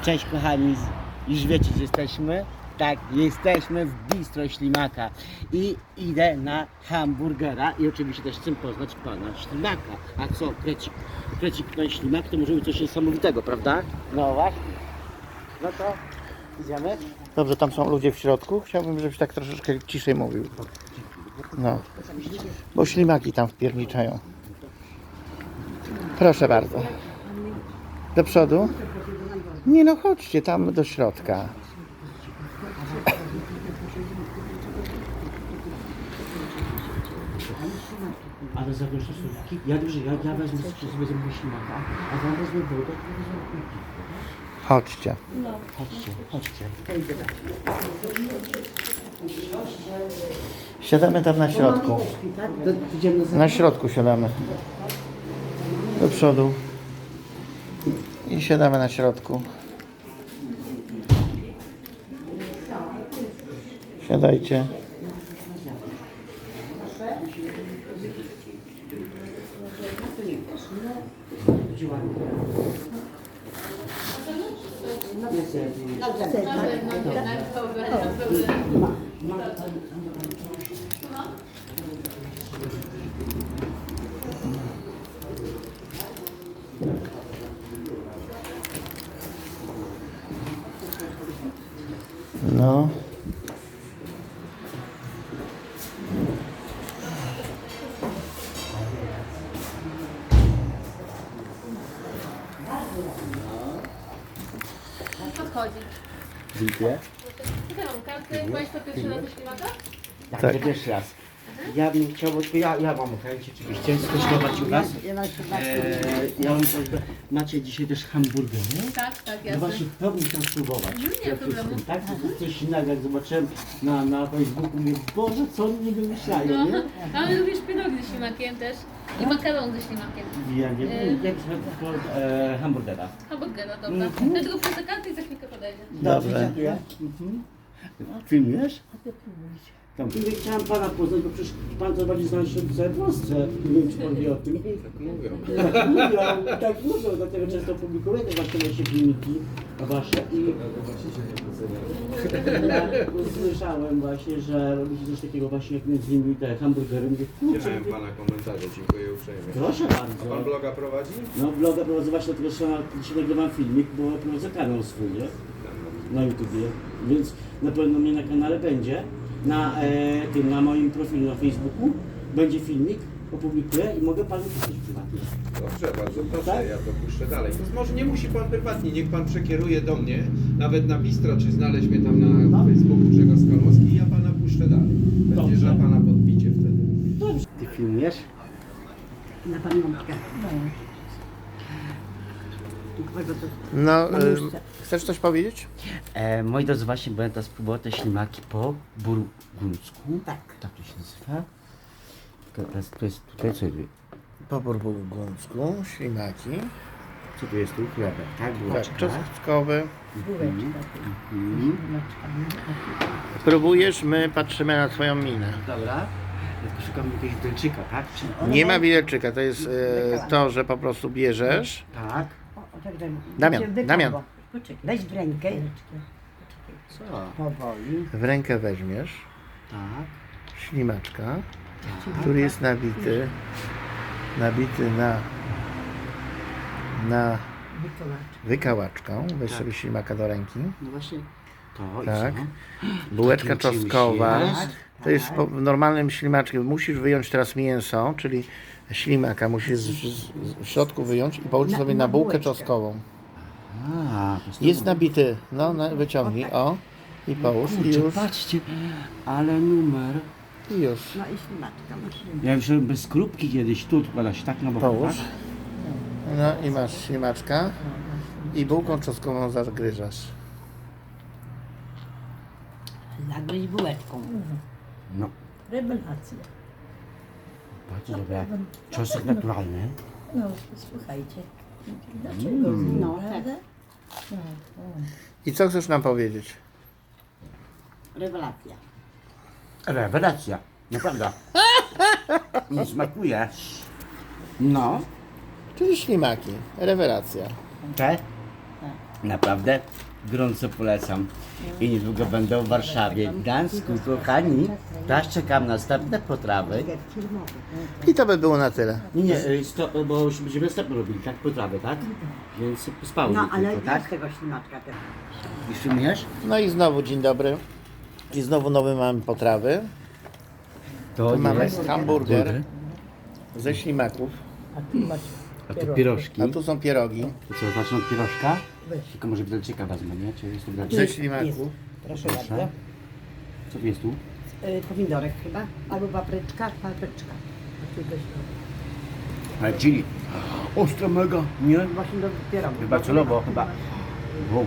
Cześć kochani, już wiecie gdzie jesteśmy? Tak, jesteśmy w Bistro Ślimaka i idę na hamburgera i oczywiście też chcę poznać pana Ślimaka. A co, krecik pan Ślimak to może być coś niesamowitego, prawda? No właśnie. No to idziemy? Dobrze, tam są ludzie w środku. Chciałbym, żebyś tak troszeczkę ciszej mówił. No, bo ślimaki tam wpierniczają. Proszę bardzo. Do przodu? Nie no, chodźcie tam do środka. Ale zabierz te słówki. Ja wezmę sobie zrobię ślimaka, a wam wezmę wodę, to wezmę piwo. Chodźcie. Chodźcie. Siadamy tam na środku. To idziemy za... Na środku siadamy. Do przodu. I siadamy na środku. Siadajcie. No. Podchodzi. Dziękuję. Mam kartę. Państwo pierwszy raz do ślimaka? Tak, Tak. to pierwszy raz. Ja bym chciał, bo ja mam chęć oczywiście skosztować u was. Ja mam prośbę, macie dzisiaj też hamburgery? Tak, No jasne. właśnie, chciałbym tam spróbować. Nie ma problemu. Tak, to jest coś innego, jak zobaczyłem na Facebooku, mówię, Boże, co oni nie wymyślają, No, nie? ale lubisz pierogi ze ślimakiem też. I makaron ze ślimakiem. Ja nie wiem, jak hamburgera. Hamburgera, dobra. Ja tylko wrzucę kartę i za chwilkę podejdę. Dobrze. Dziękuję. Filmujesz? Dobrze. Chciałem pana poznać, bo przecież pan to bardziej zna się w całej Polsce. Nie wiem, czy pan wie o tym. Tak mówią, dlatego często publikuję te właśnie nasze filmiki wasze i ja usłyszałem właśnie, że robicie coś takiego właśnie jak między innymi te hamburgery. Mówię, kurczę, Widziałem pana komentarze, dziękuję uprzejmie. proszę A pan bardzo. bloga prowadzi? No vloga prowadzę właśnie, dlatego że dzisiaj nagrywam filmik, bo prowadzę kanał swój, nie? Na YouTubie, więc na pewno mnie na kanale będzie. Na moim profilu na Facebooku będzie filmik, opublikuję i mogę panu pisać prywatnie. Dobrze, bardzo proszę, Tak? ja to puszczę dalej. To może nie musi pan prywatnie, niech pan przekieruje do mnie, nawet na Bistro, czy znaleźć mnie tam na Facebooku Grzegorz Skalmowski i ja pana puszczę dalej. Będzie Dobrze. za pana podbicie wtedy. Ty filmujesz? Na pamiątkę. No, chcesz coś powiedzieć? Moi drodzy, właśnie będę spróbować te ślimaki po burgundzku. Tak. Tak to się nazywa. To jest tutaj, co jest? Po burgundzku, ślimaki. Co tu jest tu? Chlebek, tak? Tak, Bułeczka. czosnkowy. Mhm. Próbujesz, my patrzymy na twoją minę. Dobra. Tylko szukam jakiegoś widelczyka, tak? Czy... Nie ma widelczyka, to jest to, że po prostu bierzesz. Tak. Damian, Damian. Poczekaj, weź w rękę. Co? Powoli. W rękę weźmiesz Tak. ślimaczka, który jest nabity na wykałaczką. Weź sobie ślimaka do ręki. No właśnie. To Tak. i co? Bułeczka Takim czymś czosnkowa. jest? To jest normalnym ślimaczkiem. Musisz wyjąć teraz mięso, czyli ślimaka. Musisz w środku wyjąć i połóż sobie na bułkę czosnkową. A, to jest Jest nabity. No, wyciągnij. O. I połóż. I Kurczę, już. patrzcie, ale numer. I już. No i ślimaczka masz. Ja już robię bez skrupki kiedyś, tu odkłada się tak na bok, Połóż. tak? No i masz ślimaczka. I bułką czosnkową zagryzasz. Zagryź bułeczką. No, Rewelacja. bardzo dobre. Czosnek naturalny. No, słuchajcie. Dlaczego? No, tak. I co chcesz nam powiedzieć? Rewelacja. Rewelacja, naprawdę. Nie smakuje. No, Czyli ślimaki. Rewelacja. te? Naprawdę gorąco polecam. I niedługo będę w Warszawie, w Gdańsku, kochani. Teraz czekam na następne potrawy. I to by było na tyle. Nie, bo już będziemy stop robili, tak? Potrawy, tak? Więc spał No ale tylko, tak? tak? tego ślimaczka też. I filmujesz? No i znowu dzień dobry. I znowu nowe mamy potrawy. To Tu mamy jest hamburger ze ślimaków, A tu pierożki. a tu są pierogi To co, zacznę od pierożka? Tylko może widelczyka wezmę, nie? Czy jest to ze widelczyk? ślimaków. Proszę bardzo. Co jest tu? Pomidorek chyba, albo papryczka. Ale chili. Ostro mega, nie? Właśnie do pierogów. Chyba celowo, chyba. Wow.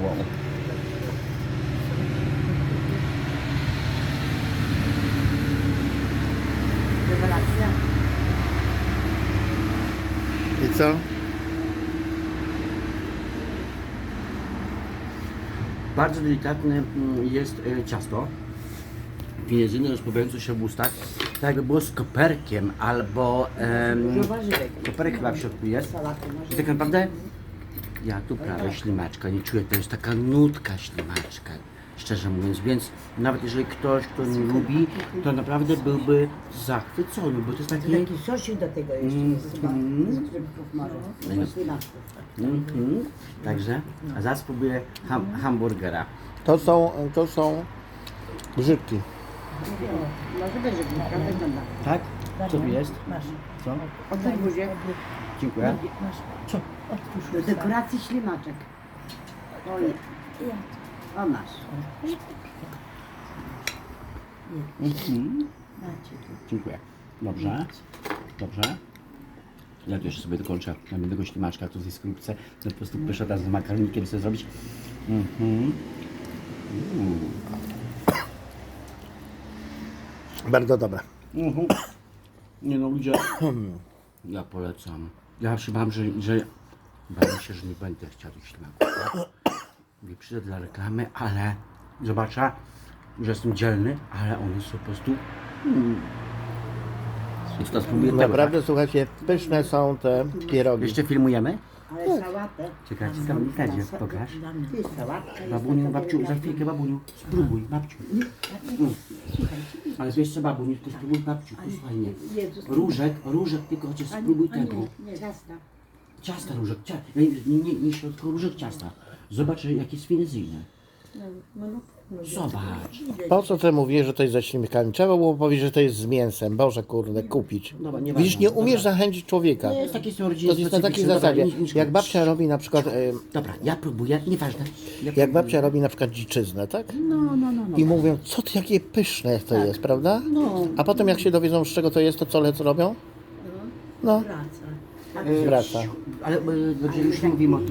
Rewelacja. I co? Bardzo delikatne jest ciasto. Pieniężyny rozpływające się w ustach. Tak jakby było z koperkiem albo... Dużo warzywek. koperek chyba w środku jest. Salatę może. I tak naprawdę ja tu prawie ślimaczka nie czuję. To jest taka nutka ślimaczka. Szczerze mówiąc, więc nawet jeżeli ktoś, kto nie lubi, to naprawdę byłby zachwycony, bo to jest takie... Taki sosik do tego jeszcze jest chyba. Z grzybków może. Z ślimaczków. Także, a zaraz spróbuję hamburgera. To są grzybki. Może być, że prawda wygląda. Tak? Co tu jest? Masz. Co? Oddaj buzię. Dziękuję. Masz. Co? Do dekoracji ślimaczek. O nie. O masz. Dziękuję. Dobrze. Dobrze. Ja tu jeszcze sobie dokończę jednego ślimaczka, tu jest skorupce. Po prostu pyszę teraz z makaronikiem sobie zrobić. Bardzo dobre. Nie no, ludzie. Ja polecam. Ja się bałem, że bałem się, że nie będę chciał tych ślimaków. Nie przyjdę dla reklamy, ale zobaczę, że jestem dzielny, ale one są po prostu. Więc to spróbuję tego, Naprawdę, słuchajcie, pyszne są te tak? pierogi. Jeszcze filmujemy? Ale sałatę. Czekaj, ciekawe, nie pokaż. To jest sałatka. Babuniu, babciu, za chwilkę babuniu. Spróbuj, babciu. Ale jeszcze babuniu, to spróbuj babciu, posłuchaj mnie. Jezus. Różek, tylko chociaż spróbuj tego. Nie, zasna. Ciasta różek, nie środko różek ciasta. Zobacz, jakie jest finezyjne. Zobacz. Po co ty mówisz, że to jest ze ślimikami? Trzeba było powiedzieć, że to jest z mięsem. Boże kurde, kupić. Dobra, nie Widzisz, ważne. nie umiesz zachęcić człowieka. Nie jest takie są To rodziny jest na takiej zasadzie. Jak babcia robi na przykład, Dobra, ja próbuję, nieważne. jak babcia robi na przykład dziczyznę, tak? No. I mówią, co ty, jakie pyszne to jest, prawda? A potem jak się dowiedzą, z czego to jest, to co robią? No, Praca. wraca. Ale dobrze, już nie mówimy o tym.